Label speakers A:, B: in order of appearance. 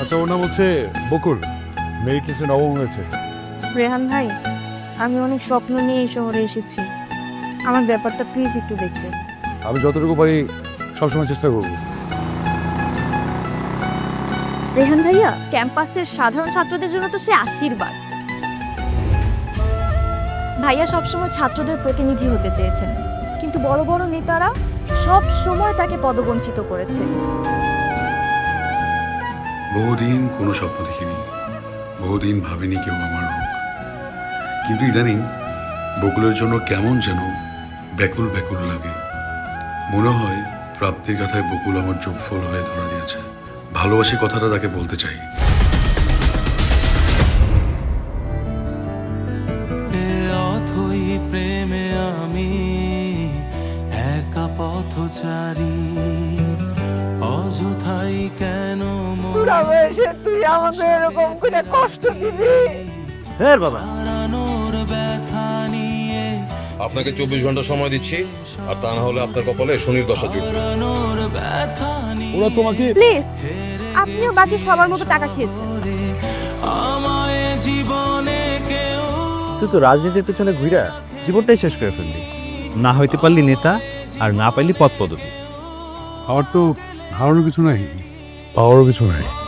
A: আচ্ছা, ওর নাম হচ্ছে বকুল, মেরিট লিস্টে নবম হয়েছে।
B: রেহান ভাই, আমি অনেক স্বপ্ন নিয়ে এই শহরে এসেছি, আমার ব্যাপারটা প্লিজ একটু দেখবেন।
A: আমি যতটুকু পারি সবসময় চেষ্টা করবো।
B: রেহান ভাইয়া ক্যাম্পাসের সাধারণ ছাত্রদের জন্য তো সে আশীর্বাদ। ভাইয়া সবসময় ছাত্রদের প্রতিনিধি হতে চেয়েছেন, কিন্তু বড় বড় নেতারা সব সময় তাকে পদবঞ্চিত করেছে।
C: বহুদিন কোনো স্বপ্ন দেখিনি, বহুদিন ভাবিনি কেউ আমার হোক, কিন্তু ইদানিং বকুলের জন্য কেমন যেন ব্যাকুল ব্যাকুল লাগে। মনে হয় প্রাপ্তির কথায় বকুল আমার যোগফল হয়ে ধরা দিয়েছে। ভালোবাসি কথাটা তাকে বলতে চাই।
D: অথই প্রেমে আমি একা পথচারী, অযথাই কেন
E: তুই আমাদের এরকম করে কষ্ট দিবি?
F: হ্যাঁ বাবা,
D: হারানোর ব্যথা নিয়ে,
G: আপনাকে 24 ঘন্টা সময় দিচ্ছি, আর তা না হলে আপনার কপালে শনির দশা জুটবে।
D: হারানোর ব্যথা
A: ওরা তোমাকে
B: প্লিজ, আপনিও বাকি সবার মতো টাকা খেয়েছেন।
D: নিয়ে আমায় জীবনে কেউ
F: তুই তো রাজনীতির পেছনে ঘুরা জীবনটাই শেষ করে ফেললি। না হইতে পারলি নেতা, আর না পাইলি পদ পদবি।
A: আমার তো হারানোর কিছু নাই, পাওয়ারও কিছু নাই।